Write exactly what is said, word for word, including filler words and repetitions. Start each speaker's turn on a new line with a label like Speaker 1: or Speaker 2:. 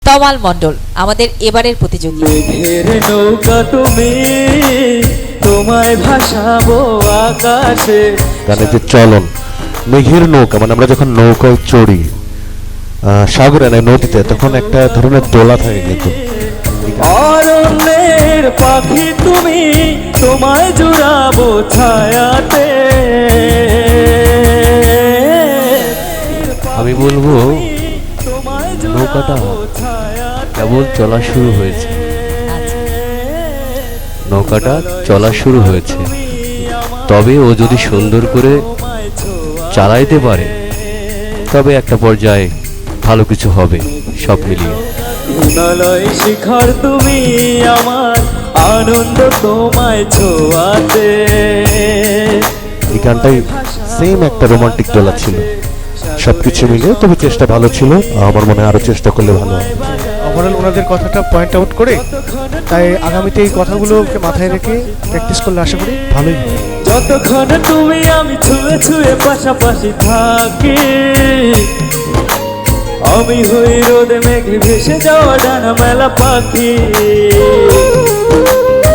Speaker 1: তমাল মণ্ডল আমাদের এবারের প্রতিযোগী।
Speaker 2: মেঘের নৌকা তুমি, তোমায় ভাসাবো আকাশে।
Speaker 3: গানের যে চলন, মেঘের নৌকা মানে আমরা যখন নৌকায় চড়ি সাগরে না নদীতে, তখন একটা ধরনের দোলা থাকে কিন্তু।
Speaker 2: অরণ্যের পাখি তুমি, তোমায় জুড়াবো ছায়াতে।
Speaker 4: আমি বলবো নৌকাটা কেবল চলা শুরু হয়েছে, নৌকাটা চলা শুরু হয়েছে। তবে ও যদি সুন্দর করে চালাইতে পারে তবে একটা পর্যায়ে ভালো কিছু হবে সব মিলিয়ে।
Speaker 2: হিমালয় শিখর তুমি আমার, আনন্দ তোমায় ছোঁয়াতে।
Speaker 3: এই গানটাই সেম একটা রোমান্টিক দোলা ছিল, সবকিছু মিলে। তবে চেষ্টা ভালো ছিল, আমার মনে হয় আরো চেষ্টা করলে ভালো হবে।
Speaker 5: ওভারঅল ওনাদের কথাটা পয়েন্ট আউট করে, তাই আগামীতে এই কথাগুলোকে মাথায় রেখে প্র্যাকটিস করলে আশা করি ভালোই হবে।
Speaker 2: যতক্ষণ তুমি আমি ছুঁয়ে ছুঁয়ে পাশাপাশি থাকি, আমি হই রোদে মেঘে ভেসে যাওয়া ডানা মেলা পাখি।